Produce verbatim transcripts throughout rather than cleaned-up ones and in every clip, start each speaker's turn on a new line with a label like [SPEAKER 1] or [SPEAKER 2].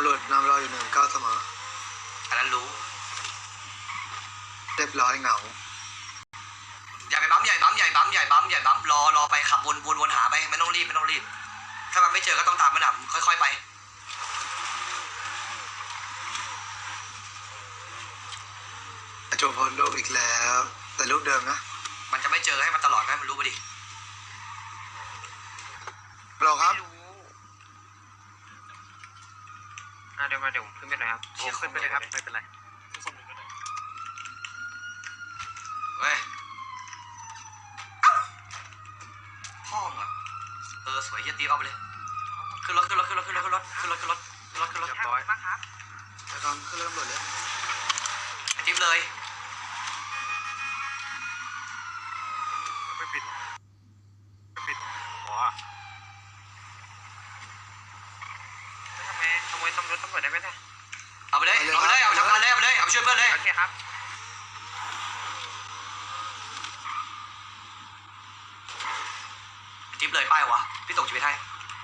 [SPEAKER 1] ำรวจนำเราอยู่หนึ่งเก้าเสมอ
[SPEAKER 2] อันนั้นรู้
[SPEAKER 1] เรียบร้อยเหงา
[SPEAKER 2] อย่าไปบั๊มใหญ่บั๊มใหญ่บั๊มใหญ่บั๊มใหญ่บั๊มรอรอไปขับวนวนวนหาไปไม่ต้องรีบไม่ต้องรีบถ้ามันไม่เจอก็ต้องตามมันอ่ะค่อยๆไป
[SPEAKER 1] โจพลลูกอีกแล้วแต่ลูกเดิมนะ
[SPEAKER 2] มันจะไม่เจอให้มันตลอดให้มันรู้ไปดิ
[SPEAKER 1] รอครับ
[SPEAKER 3] เดี๋ยวมาเดี๋ยวขึ้นไปหน่อยครับโอ้ขึ้นไปเลยครับไม่เป็นไร
[SPEAKER 2] เว้ยพ่อมึงอ่ะเออสวยเยี่ยตีเอาไปเลยขึ้นรถขึ้นรถขึ้นรถขึ้นรถขึ้นรถขึ้นรถขึ้นรถขึ้นรถขึ้นรถ
[SPEAKER 3] เรียบร้อยมากครับ
[SPEAKER 1] ไปก่อนขึ้นรถตำรวจเลย
[SPEAKER 2] จิ๊บเลย
[SPEAKER 3] ไม่ปิดไม่ปิดว้าทำไมขโมยตำรวจตำรวจได้ไหมเนี่ย
[SPEAKER 2] เอาไปเลยเอาไปเลยเอาไปทำงานเลยเอาไปเลยเอาไปช่วยเพื่อนเลย
[SPEAKER 3] โอเคครับ
[SPEAKER 2] จิ๊บเลยป้ายวะพี่ส่งชีวิตให้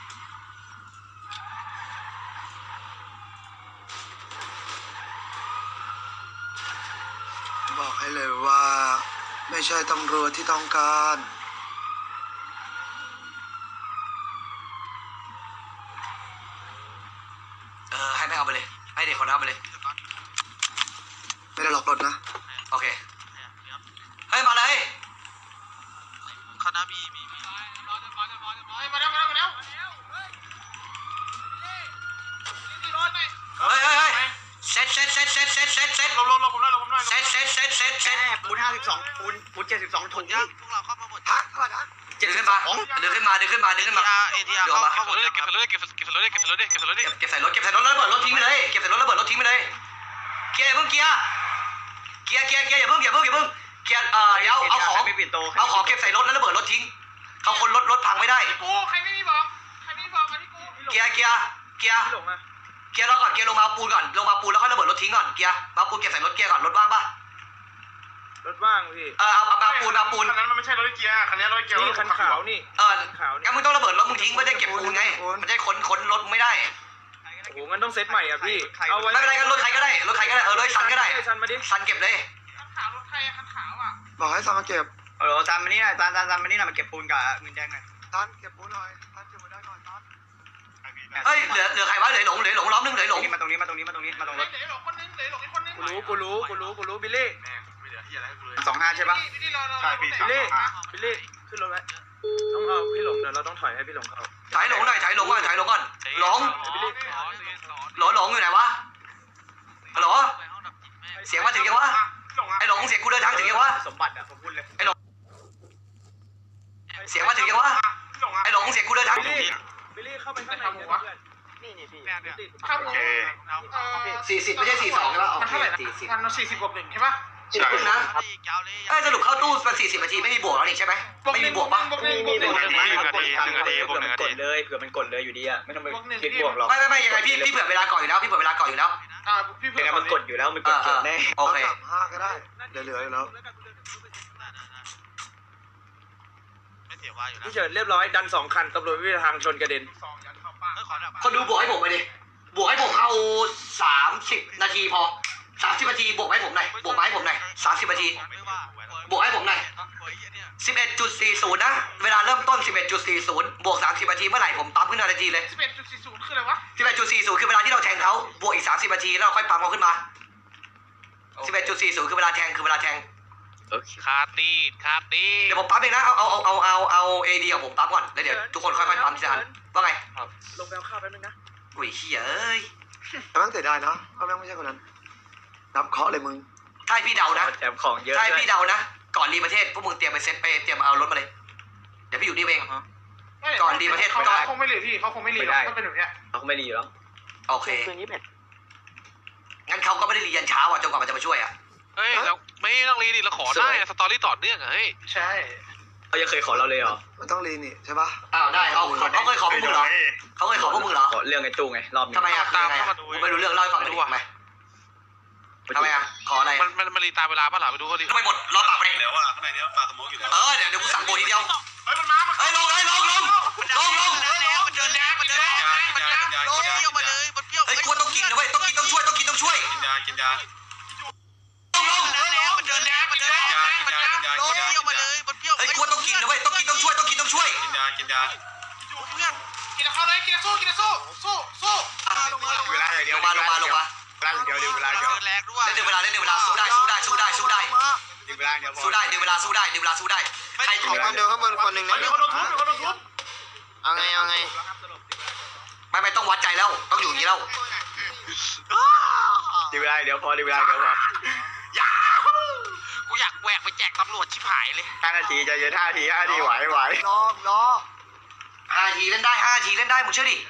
[SPEAKER 1] บอกให้เลยว่าไม่ใช่ตำรวจที่ต้องการ
[SPEAKER 2] เออให้แม่เอาไปเลยให้เด็กคนนั้นเอาไปเลย
[SPEAKER 1] ไม่ได้หลอกรถนะ
[SPEAKER 2] โอเคเฮ้ยมาเลย
[SPEAKER 3] คณะมีมีมีมาแล้วมาแล้วมาแล้ว
[SPEAKER 2] เฮ้ยเฮ้ยเฮ้ยเซ็ตเซ็ตเซ็ตเซ็ตเซ็ตเซ็ตเซ็ต
[SPEAKER 3] ลงลงลงผมได้ลงผมได้
[SPEAKER 2] เซ็ตเซ็ตเซ็ตเซ็ตเซ็ต
[SPEAKER 3] ปูนห้าสิบสองปูนปูนเจ็ดสิบสองถุงย่างพวกเราเข้ามาหมด
[SPEAKER 1] ฮะอะไรนะ
[SPEAKER 2] เดินขึ้นมาเดินขึ้นมาเดินขึ้นมาเดินขึ้นมา
[SPEAKER 3] เอทีอาร์เข้าเข้าหมดเลยเก็บใส่รถเก็บเก็บใส่รถเก็บใส่รถเก็บใส่รถเ
[SPEAKER 2] ก็บใส่รถเก็บใส่รถแล้วระเบิดรถทิ้งไปเลยเก็บใส่รถระเบิดรถทิ้งไปเลยเกียร์เพิ่งเกียร์เกียร์เกียร์เกียร์อย่าเพิ่งอย่าเพิ่งอย่าเพิ่งเกียร์เอ่อเดี๋ยวเอาของเอาของเก็บใส่รถแล้วระเบิดรถทิ้งเขาคนรถรถพังไม่ได้
[SPEAKER 3] กูใครไม่มีบอกใครไม่มีบอกอันนี้กู
[SPEAKER 2] เกียร์เกียร์เกียร์เกียร์รอก่อนเกียร์ลงมาปูนก่อนลงมาปูนแล้วค่อยระเบิดรถทิ้งก่อนเกียร์มาปูนเก็บใส่รถเกียร์ก่อนรถว่างป่ะ
[SPEAKER 3] รถว่างพี่
[SPEAKER 2] เออเอามาปูนมาปูน
[SPEAKER 3] คันนั้นมันไม่ใช่รถเกียร์คันนี้รถเกียร์
[SPEAKER 4] นี่คันขาวนี่
[SPEAKER 2] เอองั้นมึงต้องระเบิดรถมึงทิ้งไม่ได้เก็บปูนไงมันจะขนขนรถไม่ได้
[SPEAKER 4] โอ้โหงั้นต้องเซตใหม่อ่ะพี่
[SPEAKER 2] เอาไม่เป็นไรกันรถใครก็ได้รถใครก็ได้เออรถซันก็ได้
[SPEAKER 4] ซันมาดิ
[SPEAKER 2] ซันเก็บเลย
[SPEAKER 3] คันขาวรถใครคันขาวอ่ะ
[SPEAKER 1] บอกให้ซันมาเก็บ
[SPEAKER 3] เออซันมานี่หน่อยซันซันซันมานี่หน่อยมาเก็บปูนกับเงินแดงหน่อย
[SPEAKER 1] ซันเก็บปูนหน่อยซันเก็บมาได้ก่อนซัน
[SPEAKER 2] เฮ้ยเหลือเหลือใครวะเหลือหลงเหลือหลงล้อมนึงเหลือหลง
[SPEAKER 3] มาตรงนี้มาตรงนี้มาตรงนี้มาตรงรถ
[SPEAKER 4] เหลือหลงคนนึงเหลือหลงอีกคนนึงกูรู้กูรู้กูรู้กูรู้บิลลี่
[SPEAKER 3] สองห้าใช่ปะ
[SPEAKER 4] ใช่พี่บิลลี่บิลลี่ขึ้นรถไว้ต้องเอาพี่หลงเดี๋ยวเราต้องถอยให้พี่หลงเข้า
[SPEAKER 2] ถ่ายหลงหน่อยถ่ายหลงก่อนถ่ายหลงก่อนหลงหลงหลงอยู่ไหนวะฮัลโหลเสียงมาถึงยังวะไอ้หลงเสียงกูเดินทางถึงยังวะ
[SPEAKER 3] สมบัติอ่ะผมพูดเลย
[SPEAKER 2] ไอ้หลงเสียงมาถึงยังวะไอ้หลงเสียงกูเดินทางถึง
[SPEAKER 4] บิลลี่เข้าไปข้างในนี่นี่พี่
[SPEAKER 3] ข้าวหมู
[SPEAKER 2] สี่สิบไม่ใช่สี่สองใช่ปะ
[SPEAKER 3] มันเท่าไหร่นะมันสี่สิบกว่าหนึ่งใช่ปะ
[SPEAKER 2] ใช่นะเอ้สรุปเข้าตู้มันสี่สิบนาทีไม่มีบวกแล้วนี่ใช่ไหมไม่มีบวกปะ
[SPEAKER 3] มีมีหนึ่งนาทีหนึ่งนาทีหนึ่งนาทีบวกหนึ่งนาที
[SPEAKER 4] เลยเผื่อมันกดเลยอยู่ดีอ่ะไม่ต้องไปคิดบวกหรอก
[SPEAKER 2] ไม่ไม่ไม่ยังไงพี่พี่เผื่อเวลาก่อนอยู่แล้วพี่เผื่อเวลาก่อนอยู่แล้ว
[SPEAKER 3] อ่าพี่เผื่อ
[SPEAKER 4] มันกดอยู่แล้วมันกดเกินแน่
[SPEAKER 2] โอเค
[SPEAKER 1] ห้าก็ได้เดี๋ยวเหลืออยู่แล้ว
[SPEAKER 3] ไม่เสียว่าอยู่แล้ว
[SPEAKER 4] พี่เฉินเรียบร้อยดันสองคันตำรวจวิทางชนกระเด็น
[SPEAKER 2] คนดูบวกให้ผมไปดิบวกให้ผมเอาสามสิบนาทีพอสามสิบนาทีบวกให้ผมหน่อยบวกมาให้ผมหน่อยสามสิบนาทีบวกให้ผมหน่อยสิบเอ็ดจุดสี่ศูนย์นะเวลาเริ่มต้นสิบเอ็ดจุดสี่ศูนย์บวกสามสิบนาทีเมื่อไหร่ผมปั๊มขึ้นนาทีเลย
[SPEAKER 3] สิบเอ็ดจุดสี่ศูนย์คืออะไรวะ
[SPEAKER 2] สิบเอ็ดจุดสี่ศูนย์คือเวลาที่เราแทงเขาบวกอีกสามสิบนาทีแล้วเราค่อยปั๊มเขาขึ้นมาสิบเอ็ดจุดสี่ศูนย์คือเวลาแทงคือเวลาแทง
[SPEAKER 3] คาตีคาตี
[SPEAKER 2] เดี๋ยวผมปั๊มเองนะเอาเอาเอาเอาเอาเอาเอดีของผมปั๊มก่อนแล้วเดี๋ยวทุกคนค่อยๆปั๊มทีละอันว่าไง
[SPEAKER 4] ลงไปเอาข้าวแป๊บนึงนะ
[SPEAKER 2] อุ้ยเฮ้ยเอ้ย
[SPEAKER 1] แต่แม่งเสียดายเนาะเขาแม่งไม่ใช่คนนั้นนับเคาะเลยมึง
[SPEAKER 2] ถ้าพี่เดานะ
[SPEAKER 4] แจมของเยอะ
[SPEAKER 2] ถ้าพี่เดานะก่อนรีประเทศพวกมึงเตรียมไปเซ็ตไปเตรียมเอารถมาเลยเดี๋ยวพี่อยู่นี่เองก่อนรีประเทศ
[SPEAKER 3] เขาคงไม่รีพี่เขาคงไม่รีเขาเป็นแบบเนี้ย
[SPEAKER 4] เขาไม่รีหรอ
[SPEAKER 2] โอเคงั้นเขาก็ไม่ได้รียันเช้าอ่ะจนกว่ามันจะมาช่วยอ่ะ
[SPEAKER 3] เฮ้ยเราไม่ต้องรีดิเราขอได้สตอรี่ต่อเนื่องเฮ้ย
[SPEAKER 4] ใช่เขายังเคยขอเราเลยเหรอ
[SPEAKER 1] มันต้องรีนี่ใช่ปะ
[SPEAKER 2] อ้าวได้เขาเขาเคยขอพวกมึงเหรอเขาเคยขอพวกมึงเหรอ
[SPEAKER 4] เรื่องไอ้ตู้ไงรอบนี้
[SPEAKER 2] ทำไมอ่ะตามเข้ามาดูไม่รู้เรื่องเล่าให้ฟังหน่อยทำไมทำไมอ่ะขออะไร
[SPEAKER 3] มันมันมันรีตามเวลาป่ะหล่ะไปดูก็ดี
[SPEAKER 2] ทำไมหมดรอปากไป
[SPEAKER 5] เดี๋ยวว่าข้างในนี้ปลาสโมกอยู่แล้ว
[SPEAKER 2] เออเดี๋ยวเดี๋ยวกูสั่งโบทีเดียว
[SPEAKER 3] เฮ้ยมันมา
[SPEAKER 2] เฮ้ยลงเลยลงลงลงลง
[SPEAKER 3] มันเดินแล้วมันเดินแล้วมันเดินแล้วมันเปรี้ยวมาเลยมันเปรี้ยว
[SPEAKER 2] เฮ้ยกลัวต้องกินนะเว้ยต้องกินต้องช่วยต้องกินต้องช่วย
[SPEAKER 3] กินยากินยา
[SPEAKER 2] ต้องลง
[SPEAKER 3] แล้วมันเดินแล้วมันเดินแล้วมันเดินแล้วมันเปรี้ยวมาเลยมันเปรี้ยว
[SPEAKER 2] เฮ้ยกลัวต้องกินนะเว้ยต้องกินต้องช่วยต้องกินต้องช่วย
[SPEAKER 3] กินยากินยา
[SPEAKER 5] เพื่อนกินเข้าเลยกินสู้กินสู้สู้สู้
[SPEAKER 1] เวลาอย่างเดี
[SPEAKER 2] ล
[SPEAKER 1] ยว
[SPEAKER 2] งมาลงมาลงมา
[SPEAKER 1] เวลาอย่างเดียวเวลาอย่างเดียว
[SPEAKER 3] เดินแรงด้วย
[SPEAKER 2] เล่นเวลาเล่นเวลาสู้ได้สู้ได้สู้ได้สู้ได้
[SPEAKER 1] เวลาอย่างเดียวพอ
[SPEAKER 2] สู้ได้เดี๋ยวเวลาสู้ได้เดี๋ยวเวลาสู้ได้ใคร
[SPEAKER 6] มีคนเดินข้างบนคนหนึ่งนะ
[SPEAKER 5] มีคนโดนทุบมีคนโดนทุบ
[SPEAKER 6] เอาไงเอาไง
[SPEAKER 2] ไม่ไม่ต้องวัดใจแล้วต้องอยู่อย่างนี้แล้ว
[SPEAKER 1] เวลาอย่างเดียวพอเวลาอย่างเดียวพอ
[SPEAKER 3] กูอยากแหวกไปแจกตำรวจชิบหายเลย
[SPEAKER 1] ห้านาทีใจเย็นห้านาทีห้านาทีไหวไหว
[SPEAKER 6] รอรอ
[SPEAKER 2] ห้าทีเล่นได้ห้าทีเล่นได้มึงเชื่อดิ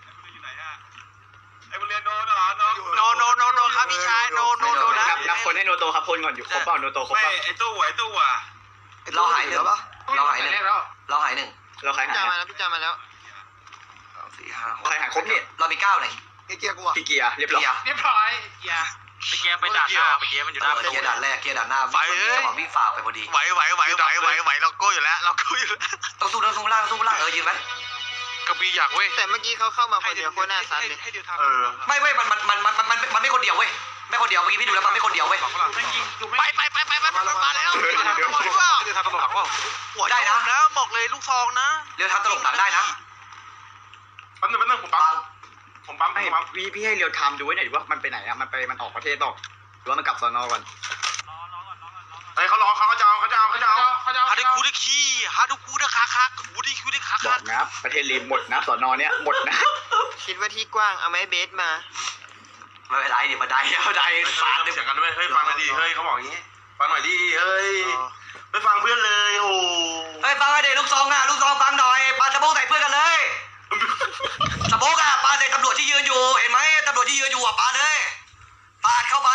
[SPEAKER 3] ไอ้บุเรียนโดนเหรอโนโนโนโนครับพี่ชายโนโนโนนะ
[SPEAKER 1] นับนับคนให้โนโตครับคนก่อนอยู่ครบเปล่าโนโตครบ
[SPEAKER 3] ไม่
[SPEAKER 1] เปล่า
[SPEAKER 3] ไอ้ตู้ไอ้ตู้อ่ะ
[SPEAKER 2] เราหายหนึ่งเราหายหนึ่งเราหายหนึ่ง
[SPEAKER 1] เราใคร
[SPEAKER 6] พี่
[SPEAKER 1] หา
[SPEAKER 6] จาย มาแล้วพี่จามาแล้ว
[SPEAKER 2] สองสี่ห้าหก
[SPEAKER 1] ใครหายครบเนี่ย
[SPEAKER 2] เรามีเก้าเลย
[SPEAKER 6] เกียร์กูอ่ะ
[SPEAKER 1] พี่เกียร์เรียบร้อย
[SPEAKER 5] เรียบร้อยอย่า
[SPEAKER 3] ไปเกียร์ไปด่านหน้าไปเกียร์มันอยู่หน้าประตู
[SPEAKER 2] เกียร์ด่านแรกเกียร์ด่านหน้าวิ่งจังหวะวิ่งฝ่าไปพอดี
[SPEAKER 3] ไหวไหวไหวไหวไหวไหวเราโก้อยู่แล้วเราโก้อยู่แล้ว
[SPEAKER 2] ต้องสู้ต้องสู้ล่างสู้ล่างเออยืนไว้
[SPEAKER 3] กระบี่อยากเว้ย
[SPEAKER 6] แต่เมื่อกี้เขาเข้ามาคนเดียวโคตรน่าซัดเลย
[SPEAKER 3] ให้เดียวทำ
[SPEAKER 1] เออ
[SPEAKER 2] ไม่เว้ยมันมันมันมันมันมันไม่คนเดียวเว้ยไม่คนเดียวเมื่อกี้พี่ดูแล้วมันไม่คนเดียวเว้ย
[SPEAKER 3] ไปไปไปไปไปมาแล้วเดี๋ยวทำตลกหลังว่าหัวได้นะแล้วบอกเลยลูกซองนะ
[SPEAKER 2] เรียวทำตลกหนังได้นะ
[SPEAKER 4] แป๊บนึงแป๊บนึงผมปั๊
[SPEAKER 2] บั
[SPEAKER 4] ม
[SPEAKER 2] ง
[SPEAKER 4] ผมปั๊ม
[SPEAKER 1] ไม่
[SPEAKER 4] ผมปั๊ม
[SPEAKER 1] พี่พี่ให้เรียวไทม์ดูไว้หน่อยดิว่ามันไปไหนอะมันไปมันออกประเทศต่อหรือว่ามันกลับสอนอก่อน
[SPEAKER 4] เฮ้ยเขารอเขาเขาจะเอาเขาจะเอาเขาจะเอา
[SPEAKER 5] เขาจะ
[SPEAKER 3] ฮาดูกูได้ขี้ฮาดูกูได้ขาคักกูได้กูได้ขา
[SPEAKER 1] บ
[SPEAKER 3] คั
[SPEAKER 1] อก กนะประเทศรีมหมดนะสอนอเนี้ยหมดนะ
[SPEAKER 6] คิดว่าที่กว้างเอาไม้เบสมา
[SPEAKER 2] ไม่เป็นไรเดี๋ยวมาได้มาได้ฟาด
[SPEAKER 4] เสียงกันด้วยเฮ้ยฟังหน่อยดิเฮ้ยเขาบอกอย่างงี้ฟังหน่อยดิเฮ้ยไม่ฟังเพื่อนเลยโอ้
[SPEAKER 2] เฮ้ยฟังไอเด็กลูกซองอ่ะลูกซองฟังหน่อยปาสะโพกใส่เพื่อนกันเลยสะโพกอ่ะปาใส่ตำรวจที่ยืนอยู่เห็นไหมตำรวจที่ยืนอยู่อ่ะปาเลยปาดเข้าไป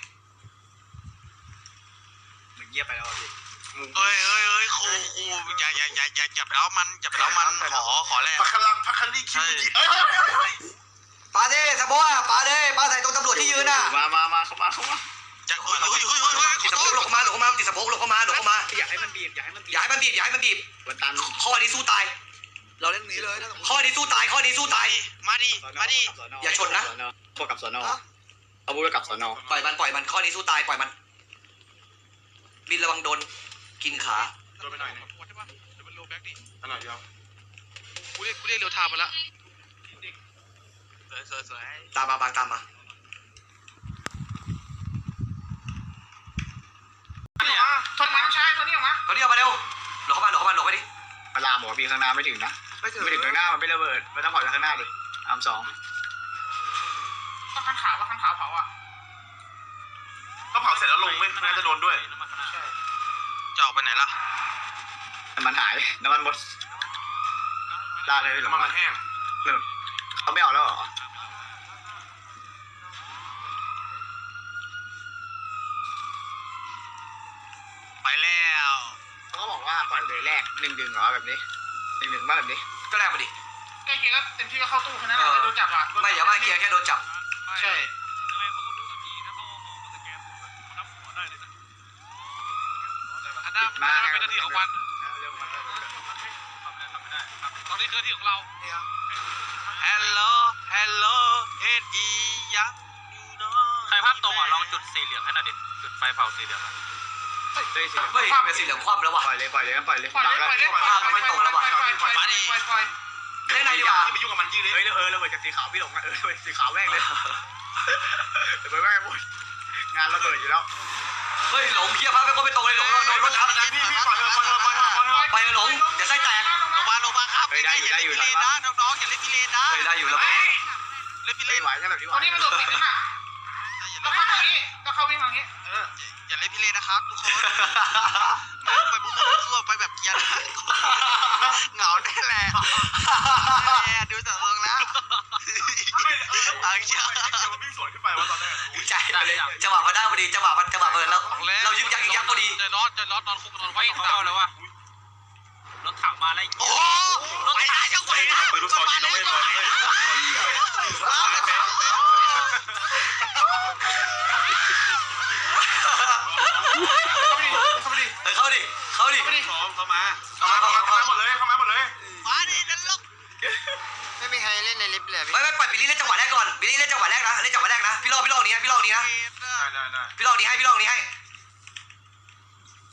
[SPEAKER 1] มึงเงียบไปแล้วพี่
[SPEAKER 3] เอ้ยเอ้ยเอ้ยครูครูอย่าอย่าอย่าอย่าอย่าไปเล้ามันอย่าไปเล้ามันขอขอแลก
[SPEAKER 4] พักลังพักคันลี่คิวจีเอ้ย
[SPEAKER 2] ปาดิสะโพกอ่ะปาเลยปาใส่ตรงตำรวจที่ยืนอ่ะ
[SPEAKER 1] มามามาเข้ามาเข้ามา
[SPEAKER 3] จะเฮ้ยเฮ้ยเฮ้ยเฮ้ยเฮ้ย
[SPEAKER 2] ติดสะโพกหลบเข้ามาหลบเข้ามาติดสะโพกหลบเข้ามาหลบเข้ามา
[SPEAKER 1] อยากให้มันบีบอยากให้มันบี
[SPEAKER 2] อย่าให้มันบีบอย่าให้มันบีบ
[SPEAKER 1] วันตัน
[SPEAKER 2] ข้อนี้สู้ตาย เราเล่นนี้เลยข้อนี้สู้ตายข้อนี้สู้ตาย
[SPEAKER 3] มาดิมาดิ
[SPEAKER 2] อย่าชนนะ
[SPEAKER 1] พวกกับสอนอเอาบุกกับสอนอ
[SPEAKER 2] ปล่อยมันปล่อยมันข้อนี้สู้ตายปล่อยมันบินระวังโดนกินขา
[SPEAKER 4] โดนไปหน่อยนึง
[SPEAKER 3] ใช่ปะเดี๋ยวมันโลแบ็กดิ
[SPEAKER 4] อันหน่อยเดียว
[SPEAKER 3] กูเรียกกูเรียกเร็วทามาละสวยสวยสวย
[SPEAKER 2] ตามมาบางตามมา
[SPEAKER 5] ทนมาน้องชายตัวนี้ออกมา
[SPEAKER 2] ตอนนี้เอามาเร็วหลบเข้ามาหลบเข้ามาหลบไปดิ
[SPEAKER 1] เวลาหมอพี่ข้างหน้าไม่ถึงนะไม่ถึงข้างหน้ามันไม่ระเบิดมันต้องเผาจากข้างหน้าดิอาร์มสอง
[SPEAKER 5] ต้องข้างขาวว่าข้างขาวเผาอ่ะ
[SPEAKER 4] ก็เผาเสร็จแล้วลงไม่น่าจะโดนด้วย
[SPEAKER 3] จะออกไปไหนล่ะ
[SPEAKER 1] น้ำมันหายน้ำมันหมดลาเลยหรือ
[SPEAKER 4] น้ำมันมันแห้ง
[SPEAKER 1] เขาไม่เอาแล้วเหรอ
[SPEAKER 3] ไปแล้ว
[SPEAKER 1] เขาก็บอกว่าปล่อยเลยแรกหนึ่งดึงเหรอแบบนี้หนึ่งดึงมาแบบนี้
[SPEAKER 2] ก็แลกมาดิ
[SPEAKER 5] ใกล้เคียงก็เต็มที่ก็เข้าตู้แค่นั้นแหละโดนจับอ่ะ
[SPEAKER 2] ไม่อย่ามาเคลียร์แค่โดนจับ
[SPEAKER 5] ใช่
[SPEAKER 3] อันนั้นมันเป็นหน้าที่ของมันตอนนี้คือหน้าที่ของเรา Hello Hello เอ็ดอียังอยู่เนาะใครภาพตรงอ่ะลองจุดสีเหลืองให้หน่อยดิจุดไฟเผาสีเหลือง
[SPEAKER 1] เฮ้ยสี
[SPEAKER 2] เฮ้ยเป็นสีเหลืองคว่ำแล้วว่ะ
[SPEAKER 1] ปล่อยเลยปล่อยเลยปล่อยเลย
[SPEAKER 5] ปล่อยเลยปล่อยเลยปล่อยปล่อยปล่อยปล่อยปล่อยปล่อย
[SPEAKER 2] เล่นไหนดีกว่า
[SPEAKER 4] ไปยุ่งกับมันยี่เลย
[SPEAKER 1] เฮ้ยเออระเบิดจากสีขาวพี่หลงเออระเบิดสีขาวแม่งเลยระเบิดแม่งหมดงานระเบิดอยู่แล้ว
[SPEAKER 2] เฮ้ยหลงเคลียร์ภาพไปก็ไม่ตรงเลยหลงโดนรถทับ
[SPEAKER 4] พี่พี่ปล่อยเลยปล่อยเลยปล่อยเลยปล่อยเลย
[SPEAKER 2] ไปหลงเดี๋ยวไส้แตก
[SPEAKER 3] ลงมาลงมาครับอย่าเล่นพิเรนนะน้องๆอย่าเล่นพิเรนนะ
[SPEAKER 2] เฮ้ยได้อยู่แล้ว
[SPEAKER 3] เล่นพิเร
[SPEAKER 1] เฮ้ย
[SPEAKER 3] น
[SPEAKER 1] ไหวใช่แบบนี้ไหว
[SPEAKER 5] ตัวนี้มันโดดติดนะฮะต้องเข้าทางนี้ต้องเข้าวิ่งทางนี้
[SPEAKER 3] อย่าเล่นพิเรนนะครับทุกคนไปบุกทั่วไปแบบเกียร์เหงาแน่แหละดูจากทรงแล้วอังเชีย
[SPEAKER 4] มันวิ่งสวนขึ้นไปว่าตอนแรก
[SPEAKER 2] ดีใจจังหวะมาได้พอดีจังหวะมันจังหวะเบิร์นแล้วเรายึกยักยึกยักพอดี
[SPEAKER 3] จะนอนจะนอนนอนคุกนอนไว้เข้าแล้ววะรถถังมาแล้วโอ้โหรถไปได้จังหวะนะ
[SPEAKER 4] ปืนลูกซองยิงน้องเว้ยเลยเข้าไปดิ
[SPEAKER 2] เข้าดิเข้าดิ
[SPEAKER 4] พร้อมเข้ามาเข้ามาเข้ามาหมดเลยเข้ามาหมดเลย
[SPEAKER 3] มาดินั่นลก
[SPEAKER 6] ไม่มีใครเล่นในลิฟต์เลย
[SPEAKER 2] ไม่ไม่ปล่อยบิลลี่เล่นจังหวะแรกก่อนบิลลี่เล่นจัง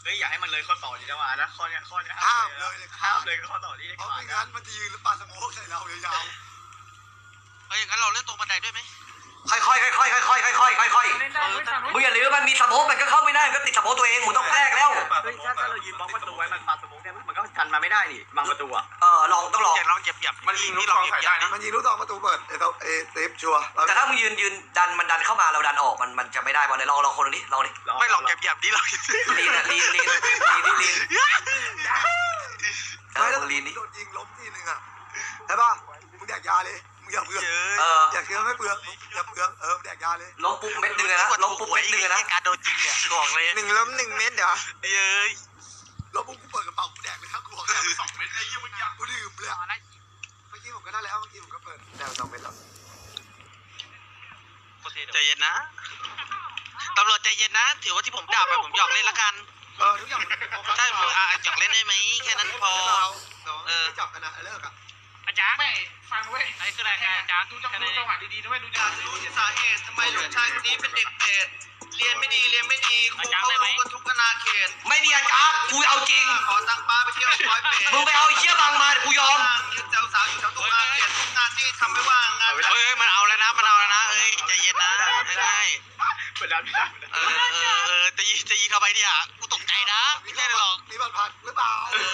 [SPEAKER 1] เฮ้ยอย่าให้มันเลยข้อต่อดีนะมานะข้อเนี้ยข้อเนี้ย
[SPEAKER 6] ห้ามเลยเลย
[SPEAKER 1] ห้ามเลยข้อต่อนี้
[SPEAKER 6] เพราะไม่งั้นมันจะยืนแล้วปาสโมกใส่เรายาว
[SPEAKER 3] เฮ้ยงั้นเราเล่นตรงบันไดด้วยไหม
[SPEAKER 2] ค่อยๆค่อยๆค่อยๆค่อยๆค่อยๆค่อยๆ
[SPEAKER 5] เล่นได้เว้ยฝั่งนู้น
[SPEAKER 2] มึงอย่าลืมมันมีสโมกมันก็เข้าไม่ได้มันก็ติดสโมกตัวเองมึงต้องแลกแล้ว
[SPEAKER 1] เฮ้ยถ้าถ้าเรายืนบล็อกประตูไว้มันปาสโมกได้ไหมมันก็กันมาไม่ได้นี่บังประตูอ่ะ
[SPEAKER 2] เออลองต้องลอง
[SPEAKER 3] อย่าลองเหยียบเหยียบ
[SPEAKER 5] มันยิงลูกซองใส่ได้นะ
[SPEAKER 6] ๆมันยิงลูกตองประตูเปิดเอเอเอเซฟชัวร์
[SPEAKER 2] แต่ถ้ามึงยืนยืนดันมันดันเข้ามาเราดันออกมันมันจะไม่ได้บอลเลยลองลองคนนี้ลองดิ
[SPEAKER 3] ไม่ลองเหยียบเหยียบดิลอง
[SPEAKER 2] ลีนอะลีนลีนลีนลีนลีนเอ
[SPEAKER 6] ไม่
[SPEAKER 2] อ
[SPEAKER 6] แล้ว
[SPEAKER 2] มึงลีนดิ
[SPEAKER 6] โดนยิงล้มทีนึงอ่ะใช่ป่ะมึงแดกยาเลยมึงอย่าเปลือง
[SPEAKER 3] เย
[SPEAKER 2] เอ
[SPEAKER 3] อะ
[SPEAKER 2] อ
[SPEAKER 6] อย่าเชื่อไม่เปลืองอย่าเปลืองเออแดกยาเลย
[SPEAKER 2] ล้มปุ๊บเม็ดหนึงเลยนะล้มปุ๊บเม็ดหนึงเลยนะ
[SPEAKER 3] การโดนยิงเนี่ยบอกเลย
[SPEAKER 6] หนึ่งล้มหนึ่งเม็ดเดี๋ยว
[SPEAKER 3] เย้ย
[SPEAKER 6] ล้มปุ๊บกูเปิดกระเป๋ากูแดกเลยครับกูบอกแดกไปสองเม็ดไอ้ยี่มันยักกูดื่มเลยเมื่อกี้ผมก็ได้แล้วเมื่อกี้ผมก็เปิดแดกไปสองเม็ดแล้ว
[SPEAKER 3] ใจเย็นนะตำรวจใจเย็นนะ ถือว่าที่ผมด่าไปผมหยอกเล่นละกัน
[SPEAKER 6] เออทุกอย่างมันเป็นโฟกัส
[SPEAKER 3] ใช่ผมอ่ะหยอกเล่นได้ไหมแค่นั้นพอ
[SPEAKER 6] เออจับกันนะเลิกอ่ะ
[SPEAKER 5] อาจารย์ไม่ฟังเว้ยไอ้คืออะไรอาจารย์ดูจังดูจังหวะดีๆด้วยดูจังหวะดีๆ
[SPEAKER 7] สาเหตุทำไมลูกชายคนนี้เป็นเด็กเปรตเรียนไม่ดีเรียนไม่ดีครูเขารู้กันทุกอนาเขต
[SPEAKER 2] ไม่มีอาจารย์กูเอาจริง
[SPEAKER 7] ขอตังค์ป้าไปเที่ยวร้อยเปรต
[SPEAKER 2] มึงไปเอาไอ้เชี่ยบังมาเดี๋ยวกูยอม
[SPEAKER 7] ยืนแถวสาวอยู่แถวตรงอาเขตงานที่ทำไม่ว่างงาน
[SPEAKER 3] เฮ้ยมันเอาแล้วนะมันเอาแล้วนะเอ้ยใจเย็นนะไม่ได้
[SPEAKER 1] เปิดดันไม่ได้
[SPEAKER 3] เออเออเออจะยิงจะยิงเข้าไปเนี่ยกูตกใจนะไม่ใช่หรอก
[SPEAKER 6] มีบัตรผ่านหรือเปล่า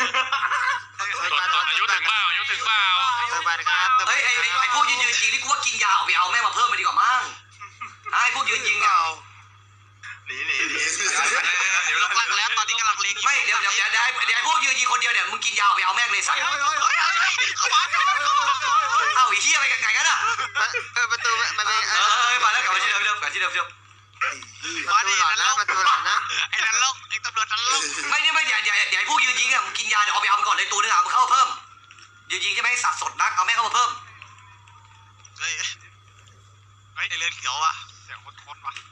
[SPEAKER 5] อายุถึงเปล่าอายุถึงเปล่า
[SPEAKER 6] เติมบัตรครับ
[SPEAKER 2] เฮ้ยไอ้ไอ้ไอ้พวกยืนยืนยิงนี่กูว่ากินยาเอาไปเอาแม่งมาเพิ่มมาดีกว่ามั้งไอ้พวกยืนยิงเนี่ย
[SPEAKER 1] หนีหนีหนี
[SPEAKER 3] เดี๋ยวหลักแล้วตอนนี้กำลังเล็ง
[SPEAKER 2] ไม่เดี๋ยวเดี๋ยวเดี๋ยวเดี๋ยวไอ้เดี๋ยวไอ้พวกยืนยิงคนเดียวเนี่ยมึงกินยาเอาไปเอาแม่งเลยสัตว์
[SPEAKER 6] เฮ้ยเฮ้ย
[SPEAKER 3] เฮ้ยเฮ้ยเข้ามา
[SPEAKER 2] เอ้าไอ้เหี้ยไปไงกันอ่ะ
[SPEAKER 6] เออประตูมันเป็น
[SPEAKER 2] เออเออมาแล้วกลับมาที่เดิมเดิมกลับที่เดิมเดิม
[SPEAKER 6] ประตูหลอนนะประตูหลอนนะ
[SPEAKER 3] ไอ้นันลกไอ้ตำรวจนันลก
[SPEAKER 2] ไม่เนี่ยไม่เดี๋ยวเดี๋ยวเดี๋ยวไอ้พวกยืนยิงอ่ะมึงกินยาเดี๋ยวเอาไปเอามันก่อนเลยตัวนึงอ่ะมึงเข้ามาเพิ่มยืนยิงใช่ไหมสัตว์สดนักเอาแม่งเข้ามาเพิ่ม
[SPEAKER 3] เฮ้ยไอ้เรือนเขียวอ่ะเสียงคนคนว่ะ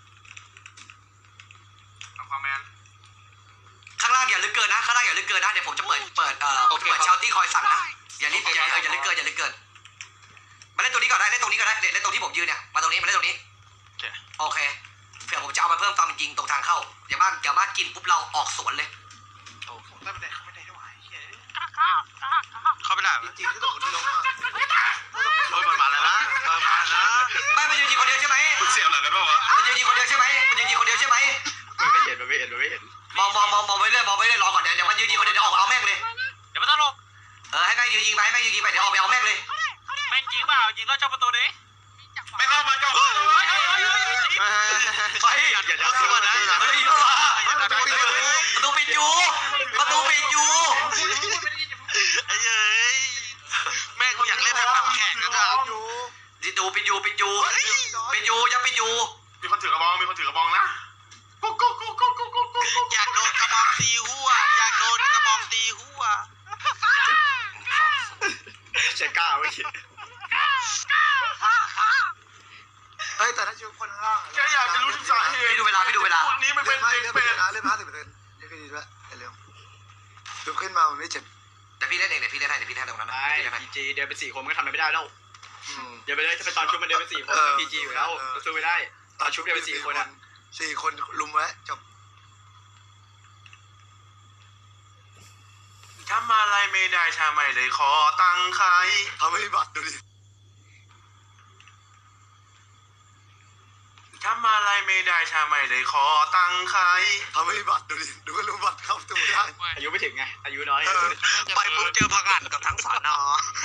[SPEAKER 1] ทำความแมน
[SPEAKER 2] ข้างล่างอย่าลึกเกินนะข้างล่างอย่าลึกเกินนะเดี๋ยวผมจะเปิดเปิดเอ่อผมจะเปิดเชาตี้คอยสั่งนะอย่ารีบอย่าอย่าลึกเกินอย่าลึกเกินมาเล่นตัวนี้ก่อนได้เล่นตรงนี้ก่อนได้เล่นตรงที่ผมยืนเนี่ยมาตรงนี้มาเล่นตรงนี้โอเคเผื่อผมจะเอามาเพิ่มตอนมันยิงตรงทางเข้าอย่ามาอย่ามากินปุ๊บเราออกสวนเลย
[SPEAKER 7] ไม่ได้ไม่ได้ด้วย
[SPEAKER 3] เข้าไปได้ไหม
[SPEAKER 6] จริงๆที่ต้องคนที่ลงอ่ะ
[SPEAKER 3] เฮ้ยมันมาแล้วนะเออมาแล้วนะ
[SPEAKER 2] ไม่มันยืนยิงคนเดียวใช่ไหม
[SPEAKER 1] คุณเสียบหลังกันป่าวะ
[SPEAKER 2] มันยืนยิงคนเดียวใช่ไหมมันยืนยิงคนเดียวใช่ไหม
[SPEAKER 1] มันไม่เห็นมันไม่เห็นมันไม่เห็น
[SPEAKER 2] มองมองมองมองไปเรื่อยมองไปเรื่อยรอก่อนเดี๋ยวเดี๋ยวมันยืนยิงคนเดียวเดี๋ยวออกเอาแม่งเลย
[SPEAKER 5] เดี๋ยวไม่ต้องลง
[SPEAKER 2] เออให้แม่งยืนยิงไปให้แม่งยืนยิงไปเดี๋ยวออกไปเอาแม่งเลย
[SPEAKER 5] แม่งยิงเปล่ายิงแล้วเจ้าประตูดิ
[SPEAKER 1] ไม่เข้ามาจ้อง
[SPEAKER 2] ไป
[SPEAKER 3] อย่าอย่าอย่าขึ้นมานะ
[SPEAKER 2] เฮ้ยเข้ามาประตูปิดอยู่ประตูปิดอยู่
[SPEAKER 3] ไอ้เอ้ยแม่งกูอยากเล่นแบบปากแข็งนะจ๊ะ
[SPEAKER 2] ปิดอยู่ปิดอยู่ปิดอยู่ปิดอยู่ยังปิดอยู่
[SPEAKER 1] มีคนถือกระบองมีคนถือกระบองนะกุ๊กกุ๊กกุ๊กกุ๊กกุ๊กกุ๊กกุ๊กกุ๊ก
[SPEAKER 3] อยากโดนกระบองตีหัวอยากโดนกระบองตีหัว
[SPEAKER 1] เช็คก้าไว้คิด
[SPEAKER 6] เฮ้ยแต่ถ้าชิวคนข้างล่าง
[SPEAKER 1] แค่อยากจะรู้ถึงสาเหตุ
[SPEAKER 2] พี่ดูเวลาพี่ดูเวลา
[SPEAKER 1] พวกนี้มัน
[SPEAKER 6] เลื่
[SPEAKER 1] เป็
[SPEAKER 6] อน น
[SPEAKER 1] เด็ก
[SPEAKER 6] เลื่อน
[SPEAKER 1] เป็
[SPEAKER 6] ไป
[SPEAKER 1] ด
[SPEAKER 6] เลื่อนเลื่อนห้าสิบเปอร์เซ็นต์เดี๋ยวขึ้นด้วยเร็วดูขึ้นมามันไม่เจ็บ
[SPEAKER 2] เดี๋ยวพี่เล่นเองเดี๋ยวพี่เล่นให้เดี๋ยวพี่เล่นตรงนั้นนะ
[SPEAKER 1] ไอ้
[SPEAKER 2] พี่เล่นให้
[SPEAKER 1] พีจีเดินไปสี่คนก็ทำอะไรไม่ได้แล้ว
[SPEAKER 6] อืม
[SPEAKER 1] เดี๋ยวไปเลยถ้าเป็นตอนชุบมันเดินไปสี่คนพีจีอยู่แล้วสู้ไม่ได้ตอนชุบเดินไปสี่คนอ่ะ
[SPEAKER 6] สี่คนลุมไว้จบ
[SPEAKER 1] ทำอะไรไม่ได้ถ้าไม่ได้ขอตังค์ใคร
[SPEAKER 6] ทำให้บัตรดูดิ
[SPEAKER 1] ทำอะไรไม่ได้ถ้าไม่ได้ขอตังค์ใคร
[SPEAKER 6] ทำให้บัตรดูดิดูก็รู้บัตรเข้าประตูได้
[SPEAKER 1] อายุไม่ถึงไงอายุน้อย
[SPEAKER 3] ไปปุ๊บเจอพังงานกับทั้งสอนอ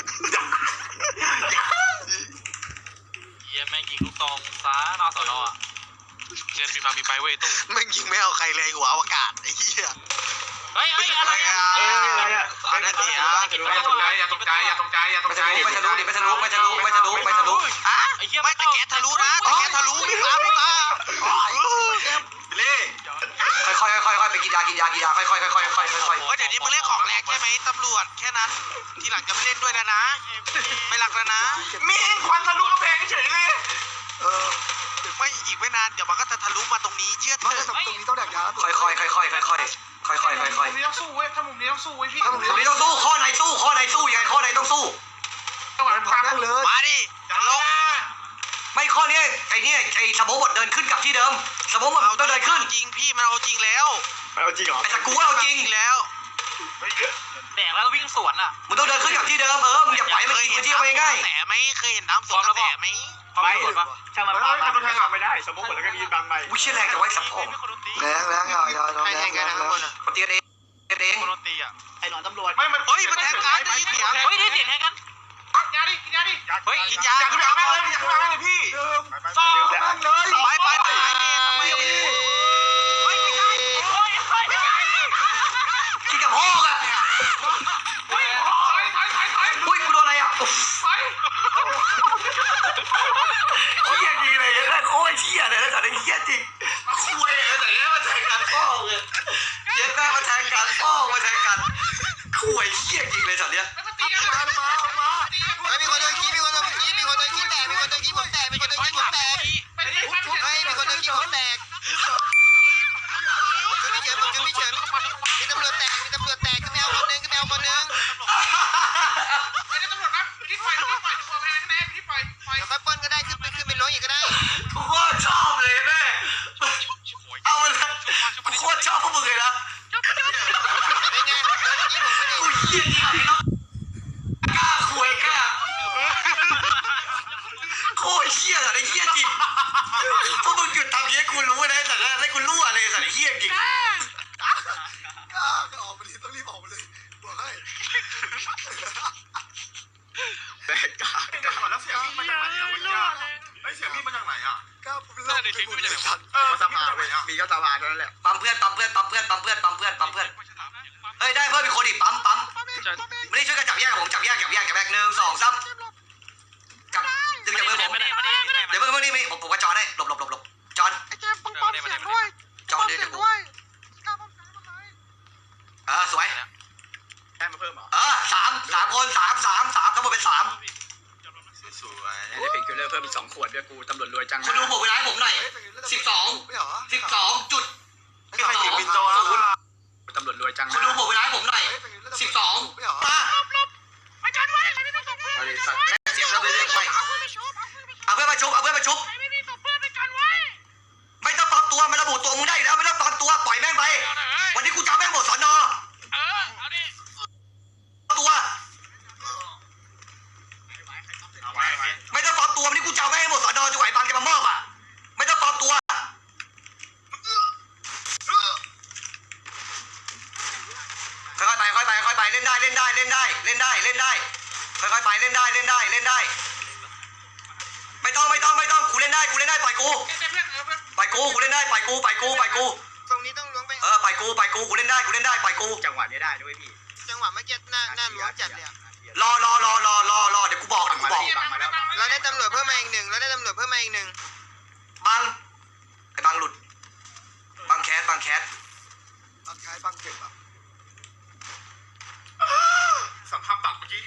[SPEAKER 5] เยี่ยแม่งยิงลูกตองซ้าหน้าสอนอเรียนมีมามีไปเว้ยตู้
[SPEAKER 3] แม่งยิงไม่เอาใครเลยหัวอวกาศไอ้เหี้ย
[SPEAKER 5] เฮ้ยเฮ้ยอะไร
[SPEAKER 3] อ่ะอันนั้นดิอ่ะ
[SPEAKER 1] อย่าตกใจอย่าตกใจอย่าตกใจอย่าต
[SPEAKER 2] ไม่
[SPEAKER 1] กใจ
[SPEAKER 2] ทะลุไม่ทะลุไม่ทะลุไม่ทะลุไม่ทะลุไม่ทะลุ
[SPEAKER 3] อ่ะไม่แต่แกทะลุนะแต่แกทะลุพี่ฟ้าพี่ฟ้า
[SPEAKER 1] เล่
[SPEAKER 2] ค่อยๆค่อยๆค่อยๆไปกินยากินยากินยาค่อยๆค่อยๆค่อยๆค่อยๆค่อย
[SPEAKER 3] โอ้ยเดี๋ยวนี้มึงเล่นของแรงใช่ไหมตำรวจแค่นั้น ทีหลังจะไม่เล่นด้วยแล้วนะ ไม่รักแล้วนะ
[SPEAKER 1] มีควันทะลุกระแพงเฉยเลย
[SPEAKER 6] เออ
[SPEAKER 3] ไม่อีกไม่นานเดี๋ยวมันก็จะทะลุมาตรงนี้เชื่อเถ
[SPEAKER 6] ไม่แต่
[SPEAKER 3] อะ
[SPEAKER 6] ตรงนี้ต้องแดกยา
[SPEAKER 2] ๆค่อยๆค่อยๆค่อยๆค่อยๆค่อยๆค่อยๆค่อย
[SPEAKER 5] มุมนี้ต้องสู้เว้ยถ้ามุมนี้ต้องสู้เว้ยพี่
[SPEAKER 2] ๆตรงนี้ต้องสู้ข้อไหนสู้ข้อไหนสู้ยังไงข้อไหนต้องสู้
[SPEAKER 5] จังหวะ
[SPEAKER 6] มัน
[SPEAKER 5] ฟั
[SPEAKER 6] พั
[SPEAKER 5] ง
[SPEAKER 6] งนั่งเลย
[SPEAKER 3] มาดิอย่าลง
[SPEAKER 2] ไม่ข้อเนี้ยไอ้เนี่ยไอ้สมองหมดเดินขึ้นกลับที่เดิมสมองหมดต้องเดินขึ้น
[SPEAKER 3] จริงพี่มันเอาจริงแล้ว
[SPEAKER 1] เอาจริงเหรอ
[SPEAKER 2] ไอ้สกูเราจริง
[SPEAKER 3] แล้ว
[SPEAKER 5] แดกแล้ววิ่งสวนอ่ะ
[SPEAKER 2] มึงต้องเดินขึ้นกลับที่เดิมเออมึงอย่าปล่อยให้มันกินพื้นที่ไปง่าย
[SPEAKER 3] แต่ไหมเคยเห็นน้ำสวนกระแสไหม
[SPEAKER 1] ไม่ช่างมันปามาทางไม่ได้สมมติหมดแล้วก็มีบางใบ
[SPEAKER 2] วิเชียแรงจะไว้สับพง
[SPEAKER 6] แรงแรงเอาเอาเอา
[SPEAKER 3] ใคร
[SPEAKER 6] แร
[SPEAKER 3] แท
[SPEAKER 6] ง
[SPEAKER 3] ง
[SPEAKER 6] แร
[SPEAKER 3] กัน
[SPEAKER 6] ง
[SPEAKER 3] นะ
[SPEAKER 6] แร
[SPEAKER 3] ทุก
[SPEAKER 6] ง
[SPEAKER 3] คนอ่ะ
[SPEAKER 2] คนตีกันเองกันเอง
[SPEAKER 5] คนโดนตีอ่ะ
[SPEAKER 1] ไอ้หนอนตำรวจ
[SPEAKER 5] ไม่มัน
[SPEAKER 3] เฮ้ยมันแทงกันได้ยินเสียง
[SPEAKER 5] เฮ้ยได้เสียงแทงกันยาดิกินยาดิเฮ้ยกินยา
[SPEAKER 1] อยากขึ้นไปเอาแม่งเลยอยากขึ้นไปเอาแม่งเลยพี่
[SPEAKER 5] ซ่อ
[SPEAKER 1] แม่งเลย
[SPEAKER 3] ไปไปไป
[SPEAKER 1] ไม่ยังไม่
[SPEAKER 5] เฮ้ยไม่ใช่โอ้ยเฮ้ยไม่ใช่
[SPEAKER 2] กินกับพ่ออ่ะ
[SPEAKER 5] เฮ้ยถอยถอยถอยถอย
[SPEAKER 2] อุ้ยกูโดนอะไรอ่ะ
[SPEAKER 5] ถอย
[SPEAKER 2] เฮียจริงเลยเนี่ยโอ้ยเฮียเลยแล้วแต่ไอ้เฮียจริงคุยเลยแต่เนี่ยมาแทงกันพ่อเลยเย็นหน้ามาแทงกันพ่อมาแทงกันคุยเฮียจริงเลยสัตว์เนี้ย
[SPEAKER 5] แล้วมาตีกัน
[SPEAKER 6] มามามา
[SPEAKER 7] เฮ้ยมีคนโดนขี้มีคนโดนขี้มีคนโดนขี้แตกมีคนโดนขี้ผมแตกมีคนโดนขี้ผมแตก
[SPEAKER 5] ไปไปไป
[SPEAKER 7] เฮ้ยมีคนโดนขี้ผมแตกคือพี่เฉินผมคือพี่เฉินมีตำรวจแตกมีตำรวจแตกขึ้นแมวคนนึงขึ้นแมวคนนึง
[SPEAKER 5] ไอ้ตำรวจนะที่ปล่อยที่ปล่อยตัวแทนคะแนนที่ปล่อยปล่อย
[SPEAKER 7] เดี๋ยวค่อยปล้นก็ได้ขึ้นไปขึ้นไปล้วงอีกก็ได้
[SPEAKER 2] กูโคตรชอบเลยแม่เอาเลยกูโคตรชอบพวกมึงเลยนะ
[SPEAKER 7] เป็นไงโดนขี้ผมไม่ได้
[SPEAKER 2] กูเฮียจริงไอ้น้องกล้าคุยกล้าโคตรเฮียอะไรเฮียจริงพวกมึงหยุดทำเฮียกูรู้นะแต่แล้วกูรั่วเลยสัตว์เฮียจริง
[SPEAKER 6] ก็ออกมาดิต้องรีบออกมาเลยบอกให้
[SPEAKER 1] แตกกาแล้วเสียงพี่มาจากไหนอ่ะเมื่อกี้ไอ้เสียงพี่มาจากไหนอ่ะ
[SPEAKER 6] ก็เล่าไปหมดเลยสัตว์
[SPEAKER 1] เออสภาเว้ยมีก็สภาเท่านั้นแหละ
[SPEAKER 2] ปั๊มเพื่อนปั๊มเพื่อนปั๊มเพื่อนปั๊มเพื่อนปั๊มเพื่อนปั๊มเพื่อนเฮ้ยได้เพิ่มอีกคนอีกปั๊มปั๊มไม่ได้ช่วยกันจับแยกผมจับแยกจับแยกจับแยกหนึ่งสองสามจับดึงจากมือผม
[SPEAKER 5] ไม่ได้ไม่ได้ไม่ได้
[SPEAKER 2] เดี๋ยวเพิ่งเพิ่งนี่ไม่ผมผมก็จอนให้หลบหลบหลบหลบจอน
[SPEAKER 7] ไอ้แจ๊บป้องป้องเสียงด้วย
[SPEAKER 2] จอนเดี๋ยวเดี๋ยวกูเออสวย
[SPEAKER 1] ได้มาเพิ่มเหรอ
[SPEAKER 2] เออสามสามคนสามสามสามทั้งหมดเป็นสาม
[SPEAKER 1] สวยได้เป็นคิลเลอร์เพิ่มอีกสองขวดด้วยกูตำรวจรวยจัง
[SPEAKER 2] คุณดูผมเวลาให้ผมหน่อย สิบสอง
[SPEAKER 6] ไม่เหรอ
[SPEAKER 2] สิบสองจุด
[SPEAKER 1] ไม่ใครยิงปินโตแล้วตำรวจรวยจัง
[SPEAKER 2] คุณดูผมเวลาให้ผมหน่อยสิบสอง
[SPEAKER 6] ไม่เหรอ
[SPEAKER 2] มา
[SPEAKER 5] อาจารย์ไว้ไม่มีศพเพื่อน
[SPEAKER 1] บริษัท
[SPEAKER 2] แม่เสียงเราไปเรื่อยไปเอาเพื่อนมาชุบเอาเพื่อนมาชุบ
[SPEAKER 5] ไม่มีศพเพื่อนอาจารย์ไว้
[SPEAKER 2] ไม่ต้องปลอมตัวมันระบุตัวมึงได้อยู่แล้วไม่ต้องปลอมตัวปล่อยแม่งไปวันนี้กูจะเอาแม่งหมดสอนอ
[SPEAKER 5] เออเอาดิ
[SPEAKER 2] ตัว ไม่ต้องปลอมตัววันนี้กูจะเอาแม่งให้หมดสอนอจะไหวบางจะมามอบอ่ะไม่ต้องปลอมตัวค่อยๆไปค่อยๆไปค่อยๆไปเล่นได้เล่นได้เล่นได้เล่นได้เล่นได้ค่อยๆไปเล่นได้เล่นได้เล่นได้ไม่ต้องไม่ต้องไม่ต้องกูเล่นได้กูเล่นได้ปล่อยกู
[SPEAKER 5] เพื่อนเพื่อนเออเพื่อน
[SPEAKER 2] ปล่อยกูกูเล่นได้ปล่อยกูปล่อยกูปล่อยกู
[SPEAKER 7] ตรงนี้ต้องล้วงไป
[SPEAKER 2] เออปล่อยกูปล่อยกูกูเล่นได้กูเล่นได้ปล่อยกู
[SPEAKER 1] จังหวะนี้ได้ด้วยพี่
[SPEAKER 7] จังหวะเมื่อกี้หน้าหน้าล้วงจัดเลยอะ
[SPEAKER 2] รอรอรอรอรอรอเดี๋ยวกูบอกเดี๋ยวกูบอก
[SPEAKER 7] เราได้ตำรวจเพิ่มมาอีกหนึ่งเราได้ตำรวจเพิ่มมาอีกหนึ่ง
[SPEAKER 2] บังไอ้บังหลุดบังแคสบังแคส
[SPEAKER 6] บางคล้ายบางเก็บอ่ะ
[SPEAKER 1] สัมภาษณ์ตัดเมื่อกี้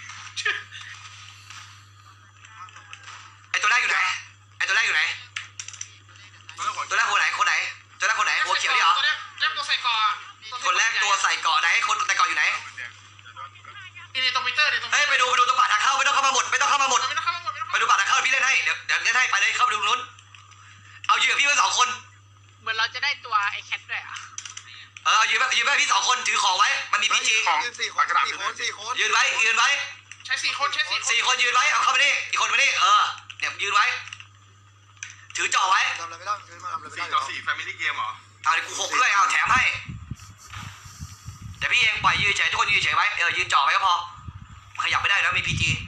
[SPEAKER 2] ไอ้ตัวแรกอยู่ไหนไอ้ตัวแรกอยู่ไหนตัวแรกคนไหนคนไหนตัวแรกคนไหนหัวเขียวนี่เหรอ
[SPEAKER 5] ตัวแรกแรกตัวใส่ก่อ
[SPEAKER 2] คนแรกตัวใส่เกาะไหนคนใส่เกาะอยู่ไหน
[SPEAKER 5] นี่ตรงมิเตอร์นี่ตรง
[SPEAKER 2] เฮ้ยไปดูไปดูตรงปากทางเข้าไม่ต้องเข้ามาหมดไม่ต้องเข้ามาหมด
[SPEAKER 5] ไม่ต้องเข้ามาหมดไม่ต้อง
[SPEAKER 2] ไปดูปากทางเข้าพี่เล่นให้เดี๋ยวเดี๋ยวเล่นให้ไปเลยเข้าไปดูนู้นเอายืนกับพี่ไว้สองคน
[SPEAKER 5] เหมือนเราจะได้ตัวไอ้แคทด้วยอ่ะ
[SPEAKER 2] เออเอายืนไว้ยืนไว้พี่สองคนถือของไว้มันมีพีจี
[SPEAKER 6] ยืนสี่คนสี่คนสี่คน
[SPEAKER 2] ยืนไว้ยืนไว้
[SPEAKER 5] ใช้สี่คนใช้สี่คน
[SPEAKER 2] สี่คนยืนไว้เอาเข้ามานี่อีกคนมานี่เออเนี่ยยืนไว้ ถือจ่อไว้
[SPEAKER 6] ทำอะไรไม่ได้คือมาทำอะไรไม่
[SPEAKER 1] สี่
[SPEAKER 6] ได้
[SPEAKER 1] ต่อสี่แฟมิลี่เกมเหรอ
[SPEAKER 2] เอาเดี๋ยวกูหกด้วยเอาแถมให้เดี๋ยวพี่เองปล่อยยืนเฉยทุกคนยืนเฉยไว้เออยืนจ่อไว้ก็พอขยับไม่ได้แล้วมีพีจี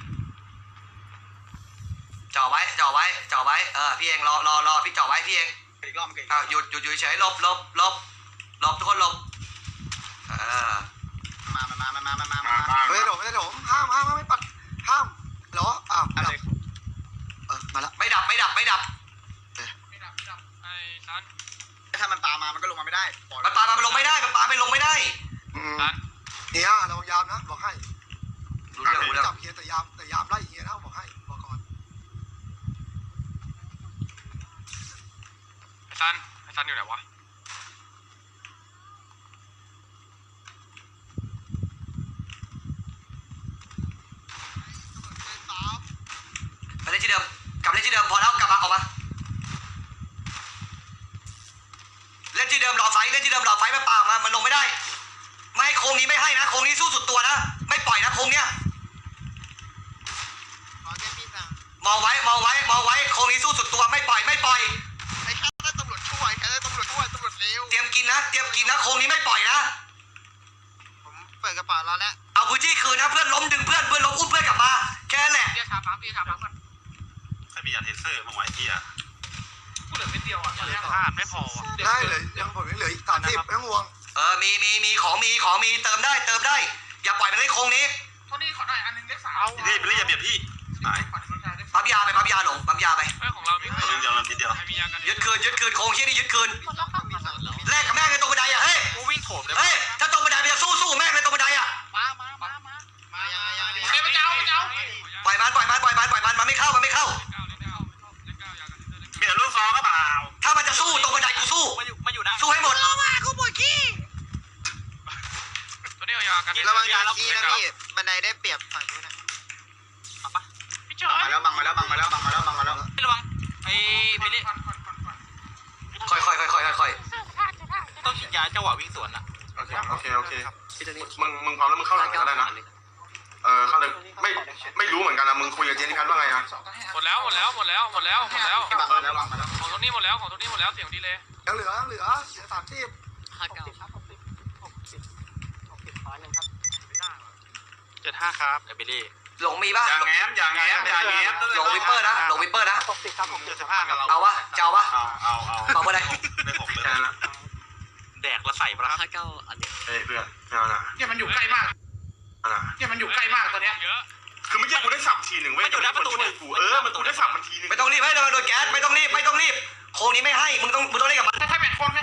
[SPEAKER 2] จ่อไว้จ่อไว้จ่อไว้เออพี่เองรอรอรอพี่จ่อไว้พี่เอง
[SPEAKER 1] อีกรอบเก่ง
[SPEAKER 2] อ้าวหยุดหยุดหยุดเฉยหลบหลบหลบหลบทุกคนหลบเออ
[SPEAKER 1] มามามามามามามามา
[SPEAKER 6] ไม่ได้หลงไม่ได้หลงห้ามห้ามห้ามไม่ปัดห้ามเหรออ้าว
[SPEAKER 1] อะไร
[SPEAKER 6] เออมาละ
[SPEAKER 2] ไม่ดับไม่ดับไม่ดับ
[SPEAKER 5] ไม่ดับไม่ดับไอ้ซัน
[SPEAKER 1] ถ้ามันปามามันก็ลงมาไม่ได้
[SPEAKER 2] มันปามันลงไม่ได้มันปาไม่ลงไม่ได้
[SPEAKER 6] เนี่ยเรายามนะบอกให้
[SPEAKER 2] รู้เรื่องรู้เรื่อง
[SPEAKER 6] จับเฮียแต่ยามแต่ยามไล่เฮียนะบอกให้บอกก่อน
[SPEAKER 5] ไอ้ซันไอ้ซันอยู่ไหนวะ
[SPEAKER 2] ไปเล่นที่เดิมกลับเล่นที่เดิมพอแล้วกลับมาออกมาล่นที่เดิมหลอดไฟมันป่ามามันลงไม่ได้ไม่โค้งนี้ไม่ให้นะโค้งนี้สู้สุดตัวนะไม่ปล่อยนะโค้งเนี้ย
[SPEAKER 3] ขอแค่พี่สั่ง
[SPEAKER 2] มองไว้มองไว้มองไว้โค้งนี้สู้สุดตัวไม่ปล่อยไม่ปล่อย
[SPEAKER 3] ไอ้แค่ได้ตำรวจช่วยแค่ได้ตำรวจช่วยตำรวจเร็ว
[SPEAKER 2] เตรียมกินนะเตรียมกินนะโค้งนี้ไม่ปล่อยนะ
[SPEAKER 3] ผมเปิดกระเป๋าแล้วแล้ว
[SPEAKER 2] เอาพื้นที่คืนนะเพื่อนล้มดึงเพื่อนเพื่อนล้มอุ้มเพื่อนกลับมาแค่นั้นแหละ
[SPEAKER 5] เบียร์ชาปั๊มเบียร์ชาปั๊มก่อน
[SPEAKER 8] ใครมียาเทเซอร์บ้างวะไอ้เหี้ย
[SPEAKER 5] กูเหลือเม็ดเดียวอ่ะพลาดไม่พอว่ะ
[SPEAKER 6] ได้เลยยังผมยังเหลืออีกสามสิบไม่ต้องห่วง
[SPEAKER 2] เออมีมีมีของมีของมีเติมได้เติมได้อย่าปล่อยมันเล่นโค้งนี้
[SPEAKER 5] โทนี่ขอหน่อยอันนึงเลขสาม
[SPEAKER 8] พี่ไปเรียกอย่าเบียดพี่หาย
[SPEAKER 2] ปั๊มยาไปปั๊มยาหลงปั๊มยาไป
[SPEAKER 5] ไอ้ของเรามี
[SPEAKER 8] ตัวนึงเดียวนันทีเดียว
[SPEAKER 5] มียากัน
[SPEAKER 2] ยึดคืนยึดคืนโค้งเชี่ยนี่ยึดคืนแลกกับแม่งในตรงบันไดอ่ะเฮ้ย
[SPEAKER 5] กูวิ่งโถมเลย
[SPEAKER 2] เฮ้ยถ้าตรงบันไดมันจะสู้สู้แม่งในตรงบันไดอ่ะ
[SPEAKER 3] มามามามามายังไงยังไง
[SPEAKER 5] เอ้ยไปเจ้าไปเจ้า
[SPEAKER 2] ปล่อยมันปล่อยมันปล่อยมันปล่อยมันมันไม่เข้ามันไม่เข้า
[SPEAKER 8] เบียดลูกซองก็เปล่า
[SPEAKER 2] ถ้ามันจะสู้ตรงบันไดกูสู้
[SPEAKER 5] มาอยู่มาอยู่ได้
[SPEAKER 2] สู้ให้หมด
[SPEAKER 5] ตัวนี้เอายากัน
[SPEAKER 3] ระวังยาขี้นะพี่บันไดได้เปรียบฝั่งนู้นนะ
[SPEAKER 5] พี่เจ๋อ
[SPEAKER 1] มาแล้วบังมาแล้วบังมาแล้วบังมาแล้วบังมาแล้ว
[SPEAKER 5] ระวังไอ้บิลลี่
[SPEAKER 2] ค่อยค่อยค่อยค่อยค่อย
[SPEAKER 5] ต้องฉีดยาจังหวะวิ่งสวนอ่ะ
[SPEAKER 8] โอเคโอเคโอเคมึงมึงพร้อมแล้วมึงเข้าหลังก็ได้นะเออเข้าเลยไม่ไม่รู้เหมือนกันนะมึงคุยกับเจนนี่พันว่าไงนะ
[SPEAKER 5] หมดแล้วหมดแล้วหมดแล้วหมดแล้วหมดแล้ว
[SPEAKER 1] บังมาแล้วบังมาแล้ว
[SPEAKER 5] ของตัวนี้หมดแล้วของตัวนี้หมดแล้วเสียงดีเลย
[SPEAKER 6] ยังเหลือยังเหลือเหลือสามสิบ
[SPEAKER 5] เจ็ดห้าครับไอ้บิลลี่
[SPEAKER 2] หลงมีป่ะ
[SPEAKER 8] อย่าแง้มอย่าแง้มอย่าแง้ม
[SPEAKER 2] หลงวิปเปอร์นะหลงวิปเปอร์นะ
[SPEAKER 5] เจ็ดสิบห้ากับเรา
[SPEAKER 2] เอาวะจะเอาวะ
[SPEAKER 8] เอาเอาเอา
[SPEAKER 2] เอาบันได
[SPEAKER 8] ไม่ผมเลยนะ
[SPEAKER 5] แดกแล้วใส่ปะล่ะ
[SPEAKER 8] เฮ้ยเพื่อนไม่เอานะ
[SPEAKER 5] เนี่ยมันอยู่ใกล้มาก
[SPEAKER 8] เอานะ
[SPEAKER 5] เนี่ยมันอยู่ใกล้มากตอนเนี้ย
[SPEAKER 8] คือเมื่อกี้กูได้สับทีหนึ่งเว้ย
[SPEAKER 5] มันอยู่หน้าประตูเนี่ย
[SPEAKER 8] กูเออมันกูได้สับมันทีหนึ่ง
[SPEAKER 2] ไม่ต้องรีบให้เราโดนแก๊สไม่ต้องรีบไม่ต้องรีบโค้งนี้ไม่ให้มึงต้องมึงต้องเล่นกับมัน
[SPEAKER 5] ถ้า